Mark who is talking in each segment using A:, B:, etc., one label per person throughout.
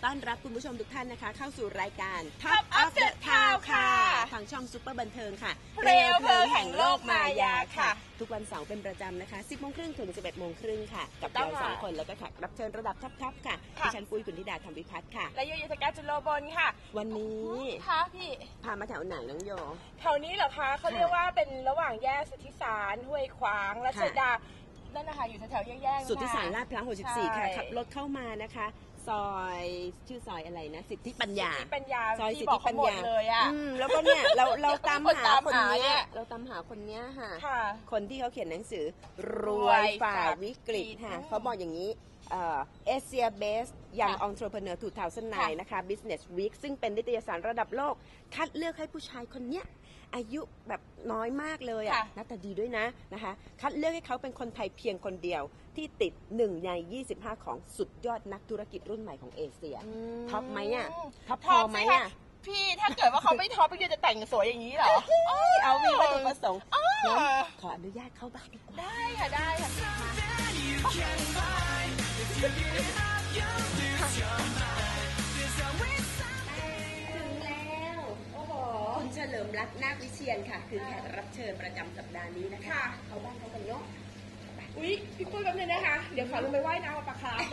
A: ต้อนรับคุณผู้ชมทุกท่านนะคะเข้าสู่รายการ Top of the Town ค่ะทางช่องซุปเปอร์บันเทิงค่ะเปลวเพลิงแห่งโลกมายาค่ะทุกวันเสาร์เป็นประจำนะคะ 10:30 น. ถึง 11:30 น. ค่ะกับเรา2 คนแล้วก็แขกรับเชิญระดับท็อปค่ะดิฉันปุ้ยกุลธิดาธรรมวิพัฒน์ค่ะ
B: และโยยุทธการจุลโลบลค่ะ
A: วันนี้
B: ค่ะพี่
A: พามาแถวไหนน้องโย
B: แถวนี้เหรอคะเขาเรียกว่าเป็นระหว่างแยกสุทธิสารห้วยขวางรัชดานั่นนะคะอยู่แถวๆแยก
A: สุทธิสารลาดพร้าว64ค่ะขับรถเข้ามานะคะซอยชื่อซอยอะไรนะสิทธิปัญญา
B: ซอยสิทธิปัญญาเลยอ่ะ
A: แล้วก็เนี่ยเราตามหาคนนี้เราตามหาคนนี้ค่ะคนที่เขาเขียนหนังสือรวยฝ่าวิกฤตค่ะเขาบอกอย่างนี้Asia Best Young Entrepreneur 2009นะคะ Business Week ซึ่งเป็นนิตยสารระดับโลกคัดเลือกให้ผู้ชายคนเนี้ยอายุแบบน้อยมากเลยอ่ะหน้าตาดีด้วยนะคะคัดเลือกให้เขาเป็นคนไทยเพียงคนเดียวที่ติด1 ใน 25ของสุดยอดนักธุรกิจรุ่นใหม่ของเอเชียท็อปไหมอ่ะท็อปพอไหมอ่ะ
B: พี่ถ้าเกิดว่าเขาไม่ท็อปพี่จะแต่งสวยอย่างนี้เหรอ
A: เอามีวัตถุประสงค์ขออนุญาตเข้าบ้านดีกว่า
B: ได้ค่ะได้ค่ะ
A: คุณเฉลิมรัตน์นาควิเชียรค่ะคือแขกรับเชิญประจำสัปดาห์นี้นะคะเขาบ้านเขากันเนาะ
B: อุ๊ยพี่ปุ้ยแป๊บนึงนะคะเดี๋ยวขอลงไปว่ายน้ำกับปลาคาร์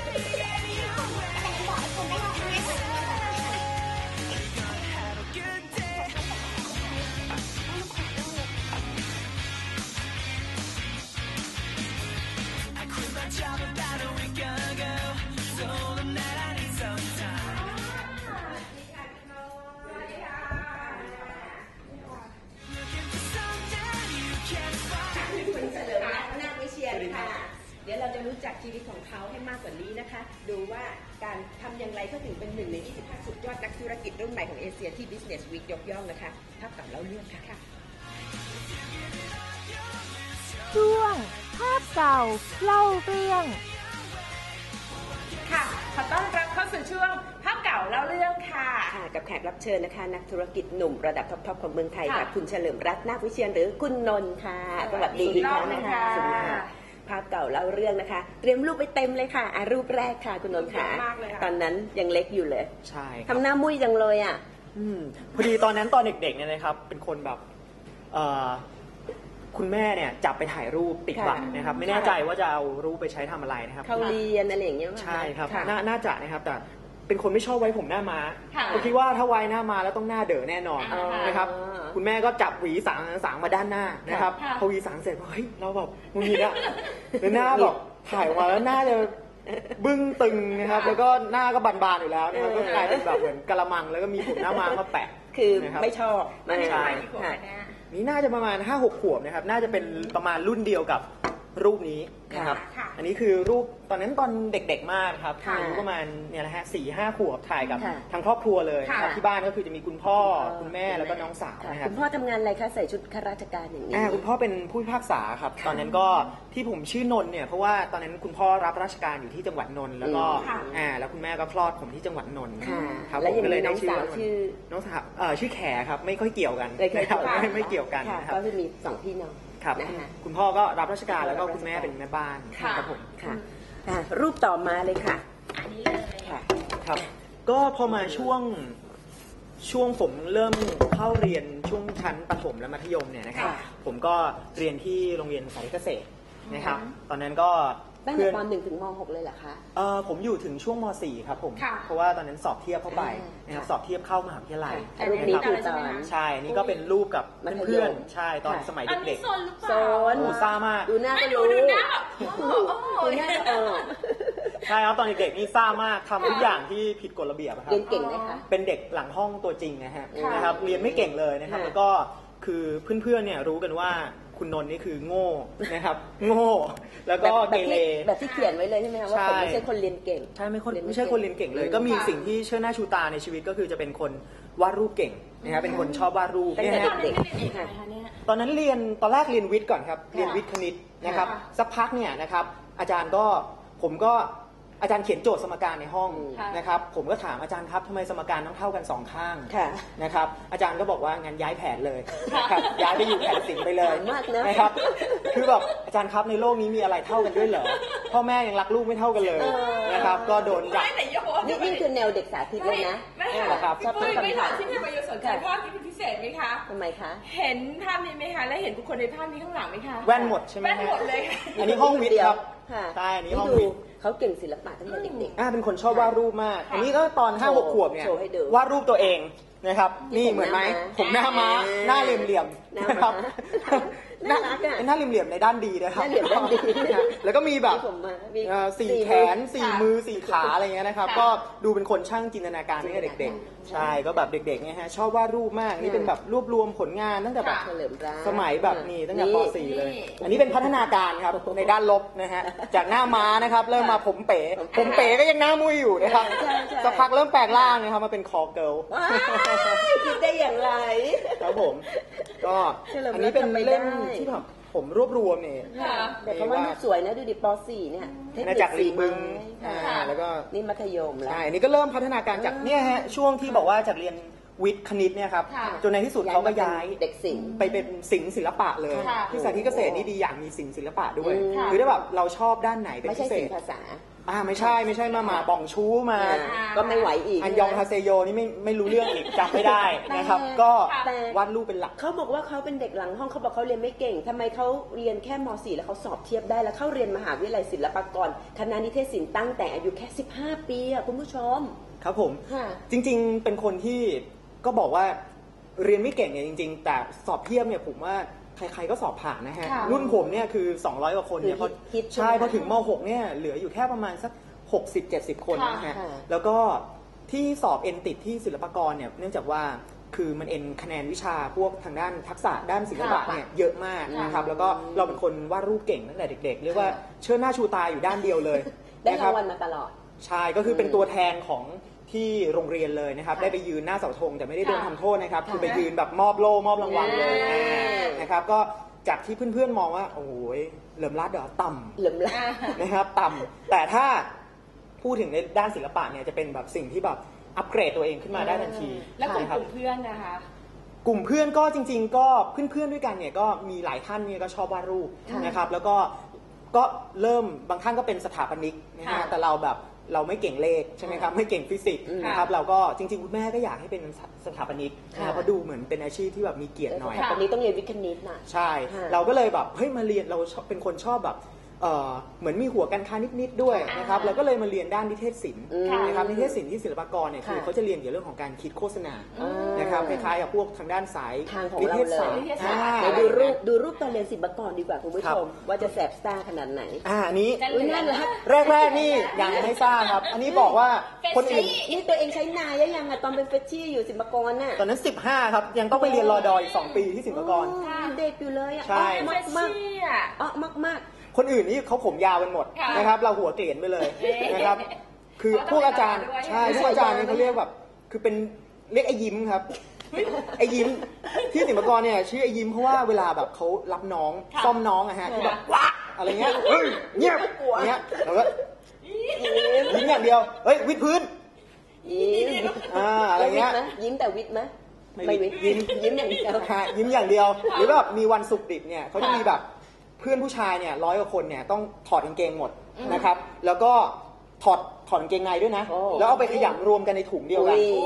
A: เดี๋ยวเราจะรู้จักชีวิตของเขาให้มากกว่านี้นะคะดูว่าการทำอย่างไรเขาถึงเป็น1 ใน 25สุดยอดนักธุรกิจรุ่นใหม่ของเอเชียที่ Business Week ยกย่องนะคะภาพกับเล่าเรื่องค่ะ
C: ช่วงภาพเก่าเล่าเรื่อง
B: ค่ะขอต้อนรับเข้าสู่ช่วงภาพเก่าเล่าเรื่องค่ะ
A: กับแขกรับเชิญนะคะนักธุรกิจหนุ่มระดับท็อปของเมืองไทยค่ะคุณเฉลิมรัตน์นาควิเชียรหรือคุณนนท์ค่ะสวัสดีอีกครั้งนะคะสวัสดีค่ะภาพเก่าเล่าเรื่องนะคะเตรียมรูปไปเต็มเลยค่ะรูปแรกค่ะคุณนนท์ค่ะตอนนั้นยังเล็กอยู่เลย
D: ใช่
A: ทำหน้ามุ้ยจังเลยอ่ะ
D: พอดีตอนนั้นตอนเด็กๆเนี่ยนะครับเป็นคนแบบคุณแม่เนี่ยจับไปถ่ายรูปติดบัตรนะครับไม่แน่ใจว่าจะเอารูปไปใช้ทำอะไรนะครับ
A: เขาเรียนอะไรอย่างเงี้ย
D: ใช่ครับน่าจะนะครับแต่เป็นคนไม่ชอบไว้ผมหน้าม้าผมคิดว่าถ้าไว้หน้าม้าแล้วต้องหน้าเด๋อแน่นอนนะครับคุณแม่ก็จับหวีสางมาด้านหน้านะครับพอหวีสางเสร็จเฮ้ยเราแบบมึงนี่นะหน้าแบบถ่ายมาแล้วหน้าจะบึ้งตึงนะครับแล้วก็หน้าก็บานๆอยู่แล้วนะครับก็กลายเป็นแบบเหมือนกะละมังแล้วก็มีผมหน้าม้ามาแปะ
A: คือไม่ชอบ
D: ใช่นี่น่าจะประมาณ 5-6 ขวบนะครับน่าจะเป็นประมาณรุ่นเดียวกับรูปนี้นะครับอันนี้คือรูปตอนนั้นตอนเด็กๆมากครับอายุประมาณเนี่ยนะฮะ4-5 ขวบถ่ายกับทางครอบครัวเลยครับที่บ้านก็คือจะมีคุณพ่อคุณแม่แล้วก็น้องสาวนะครับ
A: คุณพ่อทำงานอะไรคะใส่ชุดข้าราชการอย่างนี้
D: คุณพ่อเป็นผู้พิพากษาครับตอนนั้นก็ที่ผมชื่อนนท์เนี่ยเพราะว่าตอนนั้นคุณพ่อรับราชการอยู่ที่จังหวัดนนท์แล้วก็แล้วคุณแม่ก็คลอดผมที่จังหวัดนนท์
A: ครับแล้วก็เลยได้ชื่อ
D: น้องสาวชื่อแขครับไม่ค่อยเกี่ยวกันนะครับไม่เกี่ยวกัน
A: ก็จะมี2 พี่น้อง
D: ครับคุณพ่อก็รับราชการแล้วก็คุณแม่เป็นแม่บ้านครับผม
A: ค่ะรูปต่อมาเลยค่ะ
B: อันนี้เลย
D: ค่ะครับก็พอมาช่วงผมเริ่มเข้าเรียนช่วงชั้นประถมและมัธยมเนี่ยนะครับผมก็เรียนที่โรงเรียนสาธิตเกษตรนะครับตอนนั้นก็
A: ตั้งแต่ป .1 ถึงม .6 เลยเหรอคะ
D: ผมอยู่ถึงช่วงม .4 ครับผมเพราะว่าตอนนั้นสอบเทียบเข้าไปนะครับสอบเทียบเข้ามหาวิทยาลัย
A: รูปนี้คือตอน
D: ใช่นี่ก็เป็นรูปกับเพื่อนใช่ตอนสมัยเด็ก
A: ๆโซน
D: ซ่ามาก
A: ดูหน้าก็รู้
B: ดูหน้า
D: ใช่ครับตอนเด็กๆนี่ซ่ามากทำทุกอย่างที่ผิดกฎระเบียบครับ
A: เรียนเก่งไหมคะ
D: เป็นเด็กหลังห้องตัวจริงนะครับเรียนไม่เก่งเลยนะครับแล้วก็คือเพื่อนๆเนี่ยรู้กันว่าคุณนนท์นี่คือโง่นะครับโง่แล้วก็เกเร
A: แบบที่เขียนไว้เลยใช่ไหมคะว่าผมไม่ใช่คนเรียนเก่ง
D: ใช่ไม่ใช่คนเรียนเก่งเลยก็มีสิ่งที่เชื่อหน้าชูตาในชีวิตก็คือจะเป็นคนวาดรูปเก่งนะครับเป็นคนชอบวาดรูป
A: เนี่ย
D: นะตอนนั้นตอนแรกเรียนวิทย์ก่อนครับเรียนวิทย์คณิตนะครับสักพักเนี่ยนะครับอาจารย์ก็ผมก็อาจารย์เขียนโจทย์สมการในห้อง
B: ค่ะ
D: นะครับผมก็ถามอาจารย์ครับทำไมสมการต้องเท่ากันสองข้าง
A: ค่ะ
D: นะครับอาจารย์ก็บอกว่างั้นย้ายแผนเลยนะครับย้ายไปอยู่แผนศิลป์ไปเลย
A: มากนะ
D: นะครับคือแบบอาจารย์ครับในโลกนี้มีอะไรเท่ากันด้วยเหรอพ่อแม่ยังรักลูกไม่เท่ากันเลยนะครับก็โดนจับ
B: ไม่แต่โยน
A: นี่คือแนวเด็กสาธิตเลยนะ
B: ไม่
D: เหรอ
B: ค่ะ
D: ครับ
B: พี่ปุ้ยไม่ถามที่พี่ประโยชน์สนใจภาพนี้เป็นพิเศษไหมคะ
A: ทำไมคะ
B: เห็นภาพนี้ไหมคะ และเห็นบุคคลในภาพนี้ข้างหลังไหมคะ
D: แว่นหมดใช่ไหม
B: แว่นหมดเลยค่ะ
D: อันนี้ห้องวิทย์ครับ
A: ค่ะ
D: ใช่อันนี้ห้อง
A: ดู
D: วิทย์
A: เขาเก่งศิลปะตั้งแต่เด็ก
D: เป็นคนชอบวาดรูปมาก อันนี้ก็ตอน
A: โชว์
D: 5-6 ขวบเนี่ย
A: โชว์ให้ดู
D: วาดรูปตัวเองนะครับ
A: นี่
D: นี่เหมือนไหมผมหน้าม้าหน้าเหลี่ยม
A: หน้า
D: ๆนะครับ
A: น่ารักอะ
D: เป็นหน้าเหลี่ยมๆในด้านดีนะครับ
A: หน้าเหลี่ยมด้านดี
D: แล้วก็มีแบบ
A: ผมมามี
D: สี่แขนสี่
B: ค่ะ
D: มือสี่ขาอะไรเงี้ยนะครับ
B: ค่ะ
D: ก็ดูเป็นคนช่างจินตนาการตั้งแต่เด็กๆ ใช่ก็แบบเด็กๆเนี่ยฮะชอบวาดรูปมากนี่เป็นแบบรวบรวมผลงานตั้งแต่แบบ
A: เฉลิมรัก
D: สมัยแบบนี่ตั้งแต่ป .4 เลย
B: นี่
D: อันนี้เป็นพัฒนาการครับในด้านลบนะฮะจากหน้าม้านะครับเริ่มมาผมเป๋ก็ยังหน้ามุ้ยอยู่นะครับ
A: ใช่ใช่
D: สักพักเริ่มแปลงร่างนะครับมาเป็นคอเกิล
A: ว้ายคิดได้อย่างไร
D: ครับผมก็
A: เฉลิมรัก
D: อันนี้เป็นเล่ม
A: ทำไม่ได้
D: ที่แบบผมรวบรวมเนี่ย
B: ค่ะ
A: แต่เขาว่ารูปสวยนะดูดิป .4 เนี่ยเทค
D: อา
A: นิ
D: ณาจั
A: ค
D: กร
A: สี
D: ริมบึ
A: ไม้
D: ง
A: ค่ะ
D: แล้วก็
A: นี่มัธยมแล้ว
D: ใช่อันนี้ก็เริ่มพัฒนาการจากเนี่ยฮะช่วงที่บอกว่าจากเรียนวิทย์คณิตเนี่ยครับ
B: ค่ะ
D: จนในที่สุดเขาก็ย้าย
A: เด็กศิลป์
D: ไปเป็นศิลป์ศิลปะเลย
B: ค่ะ
D: ที่สาธิตเกษตรนี่ดีอย่างมีศิลป์ศิลปะด้วย
A: ค่ะ
D: คือถ้าแบบเราชอบด้านไหนเป็น
A: ไม่
D: พิ
A: ใช่
D: เศ
A: ศิล
D: ษ
A: ป์ภาษา
D: ไม่ใช่มาป่องชู้มา
A: ก็ไม่ไหวอีก
D: อันยองฮาเซโยนี่ไม่รู้เรื่องอีกจำไม่ได้นะครับ ก็
A: แต่
D: วาดรูปเป็นหลัก
A: เขาบอกว่าเขาเป็นเด็กหลังห้องเขาบอกเขาเรียนไม่เก่งทำไมเขาเรียนแค่ม .4 แล้วเขาสอบเทียบได้แล้วเข้าเรียนมหาวิทยาลัยศิลปากรคณะนิเทศศิลป์ตั้งแต่อายุแค่ 15 ปีอะคุณผู้ชม
D: ครับผม
A: ค่ะ
D: จริงๆ เป็นคนที่ก็บอกว่าเรียนไม่เก่งเนี่ยจริง ๆ แต่สอบเทียบเนี่ยผมว่าใครๆก็สอบผ่านนะฮะ
B: ค่ะ
D: รุ่นผมเนี่ยคือ 200 กว่าคนเนี่ย
A: คือฮิต
D: ใช่
A: ใช่ไหม
D: พอถึงม .6 เนี่ยเหลืออยู่แค่ประมาณสัก 60-70 คนนะฮะ
A: ค่ะ
D: แล้วก็ที่สอบเอ็นติดที่ศิลปากรเนี่ยเนื่องจากว่าคือมันเอ็นคะแนนวิชาพวกทางด้านทักษะด้านศิลปะเนี่ยเยอะมากนะครับแล้วก็เราเป็นคนวาดรูปเก่งตั้งแต่เด็กๆเรียกว่าเชิดหน้าชูตาอยู่ด้านเดียวเลย
A: ได้
D: นะค
A: รา
D: บ
A: งวัลมาตลอด
D: ใช่ก็คือเป็นตัวแทนของที่โรงเรียนเลยนะครับ
A: ค่ะ
D: ได้ไปยืนหน้าเสาธงแต่ไม่ได้โดน
B: ค่ะ
D: ทำโทษนะครับ
A: ค่ะ
D: คือไปยืนแบบมอบโล่มอบรางวัลเลย
A: อ่า
D: นะครับก็จากที่เพื่อนๆมองว่าโอ้โหเหลิมรัดเหรอต่ำ
A: เหลิมละ
D: นะครับต่ำแต่ถ้าพูดถึงในด้านศิลปะเนี่ยจะเป็นแบบสิ่งที่แบบอัปเกรดตัวเองขึ้นมาได้ทันที
B: แล้วกลุ่ม
D: นะครับ
B: เพื่อนนะคะ
D: กลุ่มเพื่อนก็จริง ๆ ก็เพื่อนๆด้วยกันเนี่ยก็มีหลายท่านเนี่ยก็ชอบวาดรูปนะครับแล้วก็เริ่มบางท่านก็เป็นสถาปนิกนะฮะ
B: ค่ะ
D: แต่เราแบบเราไม่เก่งเลขใช่ไหมครับไม่เก่งฟิสิกส์นะครับเราก็จริงๆคุณแม่ก็อยากให้เป็นสถาปนิกนะครับเพราะดูเหมือนเป็นอาชีพที่แบบมีเกียรติหน่อย
A: ตอนนี้ต้องเรียนวิทย์คณิตน่ะ
D: ใช่
A: ค่ะ
D: เราก็เลยแบบเฮ้ยมาเรียนเราเป็นคนชอบแบบเหมือนมีหัวการค้านิดๆด้วยนะครับเราก็เลยมาเรียนด้านนิเทศศิลป์
A: ค่ะ
D: นะครับนิเทศศิลป์ที่ศิลปากรเนี่ยคือ
A: ค่ะ
D: เขาจะเรียนเกี่ยวกับเรื่องของการคิดโฆษณา
A: อ่าน
D: นะครับคล้ายๆกับพวกทางด้านสาย
A: ทางของ
D: นิ
A: เรา
D: เทศ
A: เล
D: ศาสต
A: ย
D: ร์
B: นิเทศศาสตร์
D: อ่า
A: ไหนดูรูปตอนเรียนศิลปากรดีกว่าคุณผู้ชม ว่าจะแสบซ่าขนาดไหน
D: อันนี้
A: อุ๊ยน่ารัก
D: แรกๆนี่ยังไม่ทราบครับ อันนี้บอกว่าคนอื่น
A: นี่ตัวเองใช้นายยังอะตอนเป็นเฟชชี่อยู่ศิลปากรน่ะ
D: ตอนนั้น 15 ครับ ยังต้องไปเรียนรอดออีก 2 ปีที่ศิลปากร
A: อ๋อเด็กอยู่เลยอะ
D: ใช่
A: อ๋อ
B: เฟช
A: มาก
B: ชี่อ่ะ
A: ๆอ๋อมาก
D: คนอื่นนี่เขาผมยาวกันหมด
B: ค่ะ
D: นะครับ เราหัวเกลียนไปเลย
B: เอ๊ะ
D: นะครับ คือ
B: เขาต้อง
D: พวกอาจารย์
B: ไปรอด้วย
D: ใช่พวกอาจารย์นี่เขาเรียกแบบ คือเป็นเรียกไอ้ยิ้มครับ ไอ้ยิ้มที่ศิลปากรเนี่ยชื่อไอ้ยิ้มเพราะว่าเวลาแบบเขารับน้อง
B: ค่ะ
D: ซ่อมน้องอะฮะที่แบบว้าอะไรเงี้ยเฮ้ยเงียบอย่างเงี้ยเราก็ยิ้มอย่างเดียวเฮ้ยวิดพื้น
A: ๆยิ้ม
D: อะไรเงี้ย
A: แล้ววิทย์ไหมยิ้มแต่วิทย์ไหม
D: ไม่วิทย์ยิ้ม
A: ยิ้มอย่างเดียว
D: ฮะยิ้มอย่างเดียว หรือแบบมีวันศุกร์ดิบเนี่ยเขาจะมีแบบเพื่อนผู้ชายเนี่ย100 กว่าคนเนี่ยต้องถอดกางเกงหมดนะครับ แล้วก็ถอดกางเกงในด้วยนะ
A: โอ้
D: แล้วเอาไปขยำรวมกันในถุงเดียวกัน
A: อุ๊ย